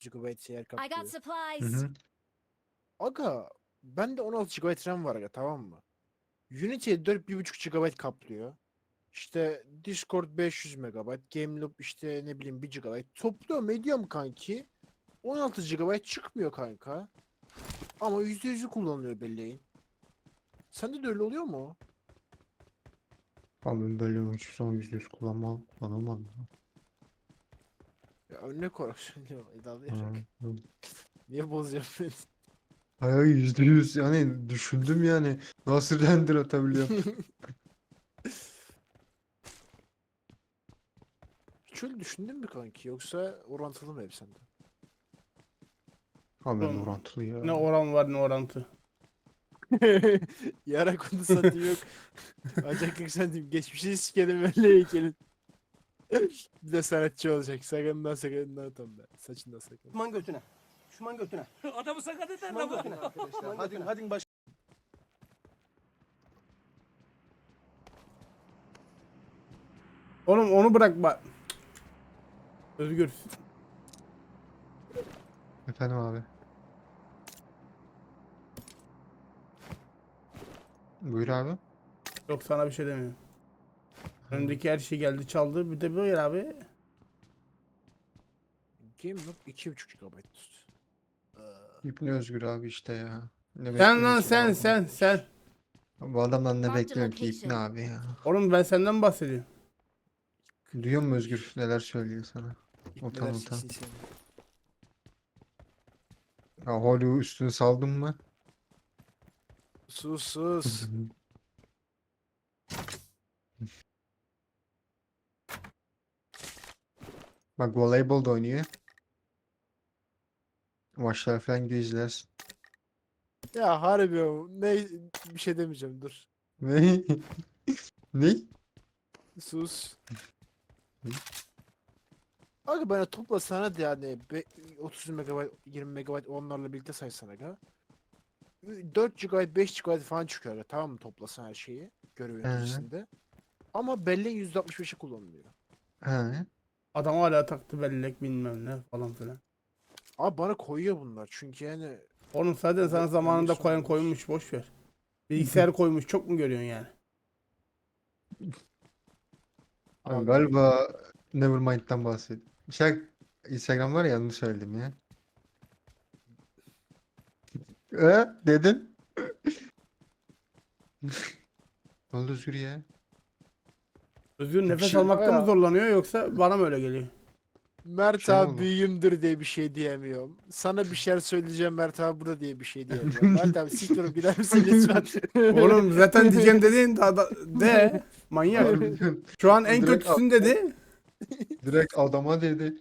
GB yer I kaplıyor. got supplies. Hı hı. Aga bende 16 GB RAM var aga, tamam mı? Unity'ye 4,5 GB kaplıyor. İşte Discord 500 MB, Gameloop işte ne bileyim 1 GB. Topluyorum ediyorum kanki. 16 GB çıkmıyor kanka. Ama %100'ü kullanılıyor belleğin. Sende de öyle oluyor mu? Abi ben böyle hiç son %100 kullanamadım. Ya örnek olarak söylüyorum iddialayarak. Hı, hı. Niye bozuyorsun beni? Hayır %100 yani düşündüm yani nasıl render atabiliyorum. Hiç öyle düşündün mü kanki? Yoksa orantılı mı hep sende? Abi ben Oğlum, orantılı ya. Ne oran var ne orantı. Yara konu satayım yok. Acaklık satayım. Geçmişi sikelim öyle heykelin. Bir de sanatçı olacak. Sakalından tam ben. Saçından sakal. Düşman götüne. Düşman götüne. Adamı sakat eder Düşman lan götüne bu. arkadaşlar. Hadi baş. Oğlum onu bırak bak. Özgür. Efendim abi. Buyur abi. Yok sana bir şey demiyorum. Önümdeki her şey geldi çaldı. Bir de böyle abi. Gameloop 2,5 GB. İbni Özgür abi işte ya. Ne Sen lan bekliyorsun ki bu adamdan? sen. Bu adamdan ne Marked bekliyorum ki İbni location. abi ya. Oğlum ben senden bahsediyorum. Duyuyor musun Özgür neler söylüyor sana? İpneler Utan. siksin seni. Ya Hollywood üstünü saldın mı? Sus sus. Bak voleybol da oynuyor. Maçlar falan gidiyor izlersin. Ya harbi o. Ne bir şey demeyeceğim dur. Ne? Ne? Sus. Aga bana toplasana da yani 30 MB 20 MB onlarla birlikte saysana aga. 4 GB 5 GB falan çıkıyor aga, tamam mı, toplasan her şeyi görev yöneticisinde. Ama belleğin %65'i kullanılıyor. He. Adam hala taktı bellek bilmem ne falan filan. Abi bana koyuyor bunlar çünkü yani Oğlum zaten sana Ben- zamanında ben koyan de koymuş boş ver. Bilgisayar koymuş çok mu görüyorsun yani? Abi Abi galiba Nevermind'den bahsediyor. Instagram var ya yanlış söyledim ya. Dedin. Ne oldu Özgür ya? Özgür nefes şey- almakta mı Aya- zorlanıyor yoksa bana mı öyle geliyor? Mert Şey mi abi oldu? büyüğümdür diye bir şey diyemiyorum. Sana bir şeyler söyleyeceğim Mert abi burada diye bir şey diyemiyorum. Mert abi siktir olup gider misin lütfen? Oğlum zaten diyeceğim dediğin de manyak. Harbiden. Şu an en Direkt, kötüsün dedi. direkt adama dedi.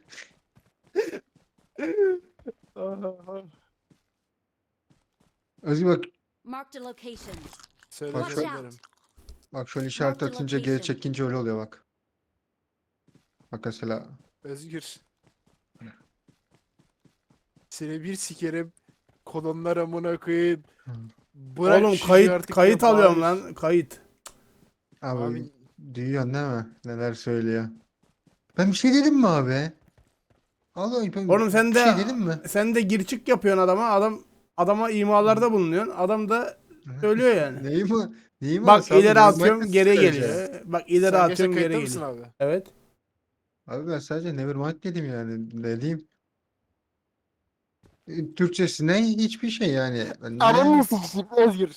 Özgür bak, Marked a location. Söyle Bak Watch söylerim. out. bak şöyle işaret Marked atınca geri location. çekince öyle oluyor bak. Bak mesela. Özgür. Seni bir sikerim. Kolonlar amına koyayım. Hı. Bırak Oğlum şu işi artık kayıt ya, alıyorum bağır. lan kayıt. Abi Abi duyuyorsun değil mi? Neler söylüyor. Ben bir şey dedim mi abi? Allah ben Oğlum sen bir de şey dedim mi? sen de gir çık yapıyorsun adama imalarda bulunuyorsun. Adam da söylüyor yani. Neyi mi? Neyi mi Bak alsam? ileri Nevermind'de atıyorum geri söyleyeceğim. geliyor. Bak ileri sen gerçekten atıyorum geri kayıtta mısın geliyor. abi? Evet. Abi ben sadece Nevermind dedim yani. Ne diyeyim? Türkçesine hiçbir şey yani. Ananı sikeyim Özgür.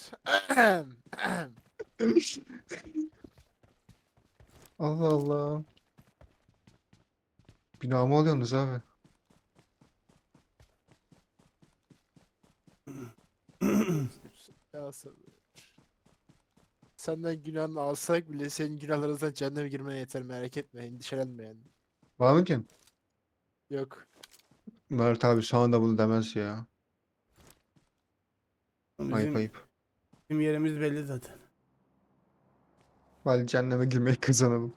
Allah Allah. Günah mı alıyorsunuz abi? Ya senden günahını alsak bile senin günahlarınızdan cehenneme girmene yeter, merak etme, endişelenme yani. Var mı ki? Yok. Mert abi sana da bunu demez ya. Ayıp Bizim, ayıp. bizim yerimiz belli zaten. Hadi cehenneme girmeyi kazanalım.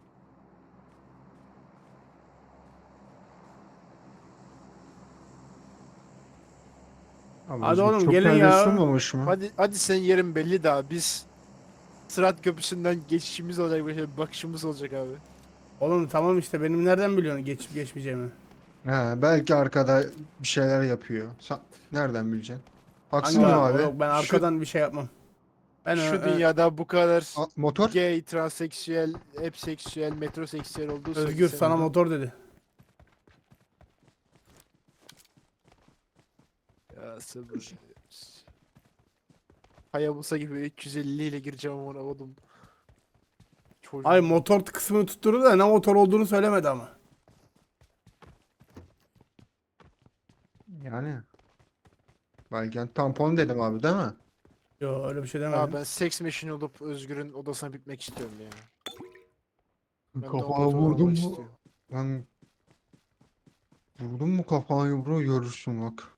Abi Hadi Özgür oğlum çok gelin ya. paylaşılmamış mı? Hadi senin yerin belli daha, biz Sırat Köprüsü'nden geçişimiz olacak, böyle bir bakışımız olacak abi. Oğlum tamam işte benim nereden biliyorsun geçip geçmeyeceğimi? Ha, belki arkada bir şeyler yapıyor. Nereden bileceksin? Haksız Hangi mı abi? abi? Yok, ben arkadan bir şey yapmam. Ben Şu dünyada bu kadar Motor? gay, transseksüel, hepseksüel, metroseksüel olduğu Özgür sana sanırım. motor dedi. Ya sabır. Hayabusa gibi 350 ile gireceğim ona oğlum. Çocuğum. Ay motor kısmını tutturdu da ne motor olduğunu söylemedi ama. Yani. Belki tampon dedim abi değil mi? Yo öyle bir şey Ya demedim. ben seks machine olup Özgür'ün odasına bitmek istiyorum ya. Ben de o Kafana motoru vurdum almak mu? istiyorum. Lan vurdun mu kafayı bro görürsün bak.